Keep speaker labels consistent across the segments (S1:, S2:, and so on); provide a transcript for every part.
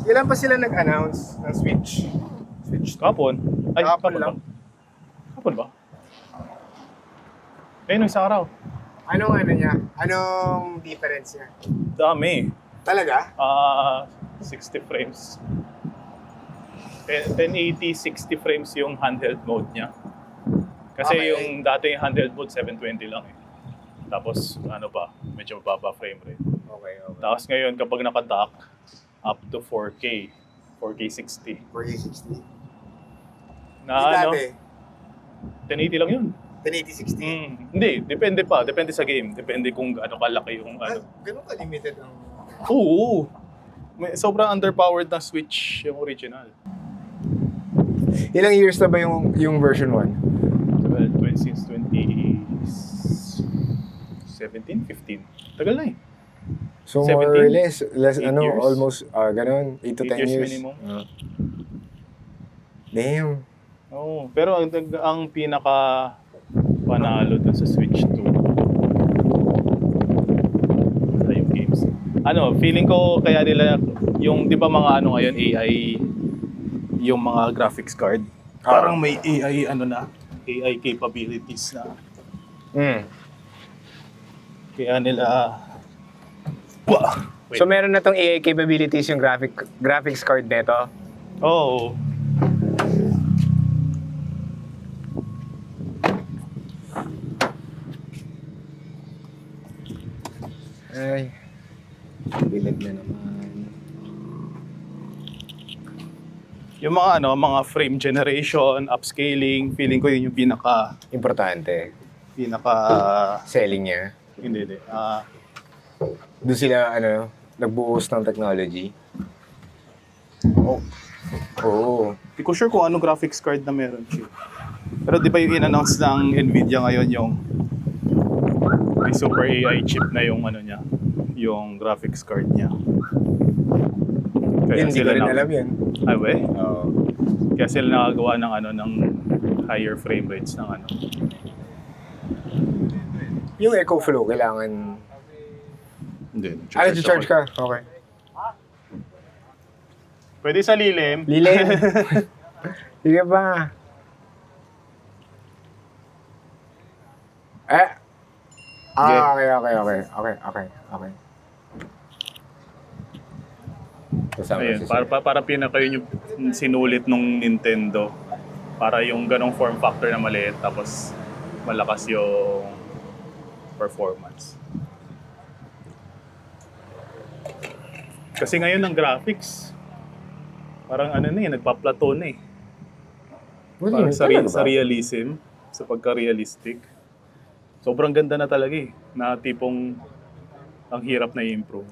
S1: Kailan pa sila nag-announce ng Switch? Switch 2?
S2: Kapon. Ay,
S1: Kapon
S2: kapon
S1: lang.
S2: ba? Kapon ba? Ayun, isang araw.
S1: Anong ano niya? Anong difference niya?
S2: Dami.
S1: Talaga?
S2: 60 frames. 1080, 60 frames yung handheld mode niya. Kasi
S1: Okay.
S2: yung dati yung handheld mode, 720 lang eh. Tapos, ano pa, medyo mababa frame rate.
S1: Okay.
S2: Tapos ngayon, kapag naka-dock, up to 4K. 4K 60.
S1: 4060.
S2: Na
S1: Di
S2: ano,
S1: dati,
S2: 1080 lang yun.
S1: 1080-60.
S2: Hindi, depende pa. Depende sa game. Depende kung ano kalaki yung ano.
S1: Ganun ka-limited ang...
S2: Oo. Sobrang underpowered na Switch yung original.
S1: Ilang years na ba yung version 1?
S2: Tagal, since 2017, 15. Tagal na eh.
S1: So more or
S2: 17?
S1: less
S2: 8 years?
S1: almost ganun, 8 to 10
S2: 8 years
S1: years.
S2: minimum.
S1: Damn.
S2: Oo. Pero ang pinaka panalo dun sa Switch 2 sa yung games. Ano, feeling ko kaya nila yung 'di ba mga ano ngayon AI yung mga graphics card. Parang may AI ano na, AI capabilities na. Kaya nila Wait.
S1: So meron na tong AI capabilities yung graphics card nito.
S2: Oh.
S1: Ay. Bilad na naman.
S2: Yung mga ano, mga frame generation, upscaling, feeling ko yun yung
S1: Importante.
S2: pinaka
S1: Selling niya.
S2: hindi.
S1: Doon sila nagbuhos ng technology.
S2: Oh,
S1: Oo.
S2: hindi ko sure kung ano graphics card na meron siya. Pero di ba yung in-announce ng Nvidia ngayon yung may super AI chip na yung ano niya, yung graphics card niya.
S1: Hindi ko rin alam yun.
S2: Ay, we?
S1: Oo.
S2: Kaya sila nakagawa ng ano ng higher frame rates ng ano.
S1: Yung Echo Flow, kailangan...
S2: Hindi.
S1: charge ka? Okay.
S2: Pwede sa lilim.
S1: Lilim. Sige ba? Okay. Kasama
S2: Ayun,
S1: si Sir.
S2: para pinaka yun yung sinulit nung Nintendo. Para yung ganong form factor na maliit tapos malakas yung performance. Kasi ngayon ng graphics, parang ano na eh, nagpa-plateau na eh. Parang sa realism, sa pagka-realistic. Sobrang ganda na talaga eh, na tipong ang hirap na i-improve.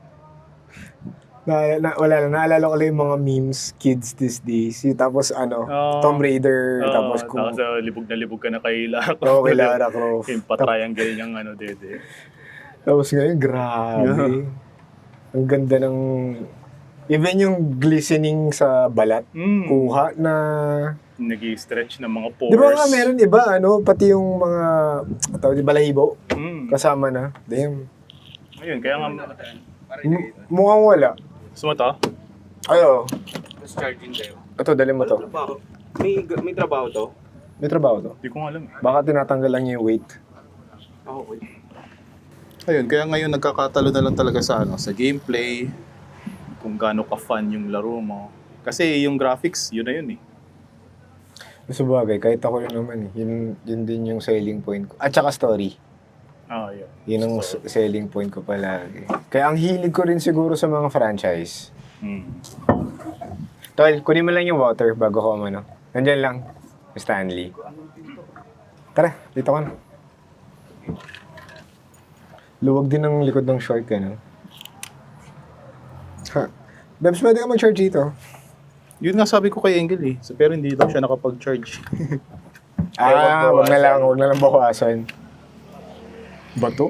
S1: Naalala ko lang yung mga memes, kids these days. Tapos Tomb Raider, tapos kung...
S2: Tapos libog na libog ka na kay Lara Croft.
S1: Oo, kay Lara Croft.
S2: Yung pa-triangle niyang dede.
S1: Tapos ngayon, grabe. Ang ganda ng... Even yung glistening sa balat, kuha na...
S2: Nag-i-stretch ng mga pores.
S1: Di ba nga meron iba, pati yung mga balahibo, kasama na. Damn.
S2: Ayun, kaya nga...
S1: Mukhang wala.
S2: Gusto mo to?
S1: Ayo.
S3: Mas charging kayo.
S1: Ito, dali mo to.
S3: Trabaho. May trabaho to?
S1: May trabaho to.
S2: Hindi ko nga alam eh.
S1: Baka tinatanggal lang yung weight.
S3: Okay.
S2: Ayun, kaya ngayon nagkakatalo na lang talaga sa sa gameplay, kung gaano ka-fun yung laro mo. Kasi yung graphics, yun na yun eh.
S1: Sa bagay, kahit ako rin naman eh. Yun din yung selling point ko. At saka story.
S2: Yun.
S1: Yun ang selling point ko palagi. Kaya ang hilig ko rin siguro sa mga franchise. Tol, kunin mo lang yung water bago ko Nandyan lang. Stanley. Tara, dito ka na. Luwag din ang likod ng short ka, no? Ha. Bebs, pwede ka mag-charge dito.
S2: Yun nga sabi ko kay Engel eh. Pero hindi daw siya nakapag-charge.
S1: Wag na lang bawasan. Bato?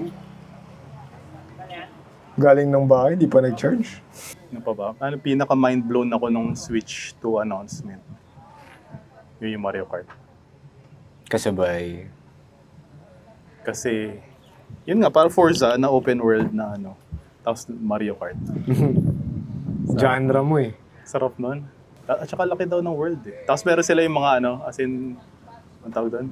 S1: Galing ng bahay, di pa nag-charge.
S2: Ano pa ba? Pinaka-mind blown ako nung Switch 2 announcement. Yun yung Mario Kart.
S1: Kasabay.
S2: Kasi, yun nga, parang Forza na open world na tapos Mario Kart.
S1: genre mo eh.
S2: Sarap nun. At saka laki daw ng world eh. Tapos meron sila yung mga ano, as in, ang tawag doon?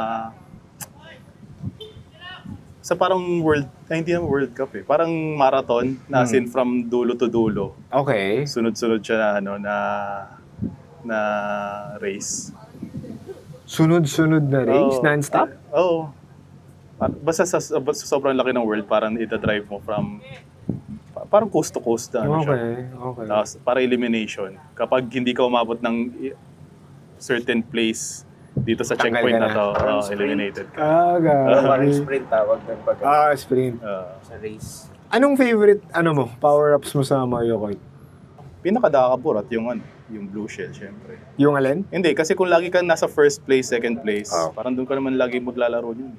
S2: Sa parang world, hindi naman World Cup eh. Parang marathon na as in from dulo to dulo.
S1: Okay.
S2: Sunod-sunod siya na ano, na race.
S1: Sunod-sunod na race?
S2: Oo.
S1: Non-stop?
S2: Oo. Basta sa sobrang laki ng world, parang ita-drive mo from, parang coast to coast na ano siya.
S1: Okay.
S2: Tapos, para elimination. Kapag hindi ka umabot ng certain place dito sa
S1: Tanggal
S2: checkpoint
S1: ka
S2: na
S1: na.
S2: to,
S3: Parang
S2: eliminated ka.
S3: Parang
S1: Gabi.
S3: sprint tawag ng pag
S1: Sprint.
S3: sa race.
S1: Anong favorite, power-ups mo sa Mario Kart?
S2: Pinakadakaburat yung yung blue shell, syempre.
S1: Yung alin?
S2: Hindi, kasi kung lagi kang nasa first place, second place,
S1: Oh.
S2: parang doon ka naman lagi maglalaro yun.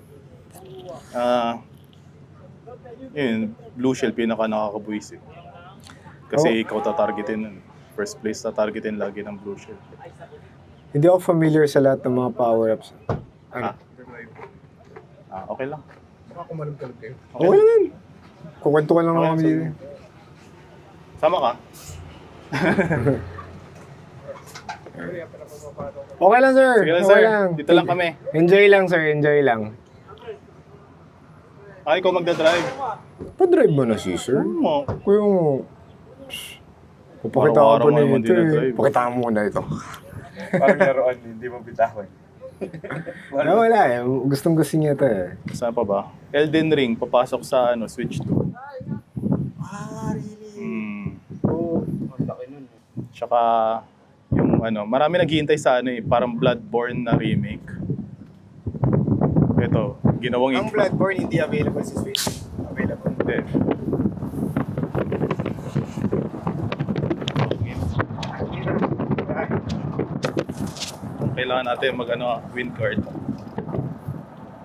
S2: Yun, blue shell, pinaka nakakabuisit. Kasi ikaw tatargetin nun. First place tatargetin lagi ng blue shell.
S1: Hindi ako familiar sa lahat ng mga power-ups. Ano?
S2: Okay lang.
S1: Okay lang yan. Kukwento ka lang
S2: Okay,
S1: naman
S2: so-
S1: dito.
S2: Sama ka?
S1: Okay lang, sir.
S2: Sige lang,
S1: Okay
S2: sir.
S1: lang.
S2: Dito lang kami.
S1: Enjoy lang, sir. Enjoy lang.
S2: Ikaw magdadrive.
S1: Pa-drive mo na si sir.
S2: Mo.
S1: Kuya mo. Papakita ko
S2: Araw-araw
S1: pa
S2: mo naman
S1: nito eh.
S2: dinadrive.
S1: Pakita mo muna ito.
S3: Parang laruan, hindi mo bitawan.
S1: Wala eh. Gustong gusto niya ito eh.
S2: Saan pa ba? Elden Ring, papasok sa Switch 2.
S3: Really? Oo, ang laki nun.
S2: Tsaka yung marami naghihintay sa parang Bloodborne na remake. Ito, ginawang
S3: Ang Bloodborne hindi available sa Switch. Available.
S2: Hindi. Kailangan natin win card.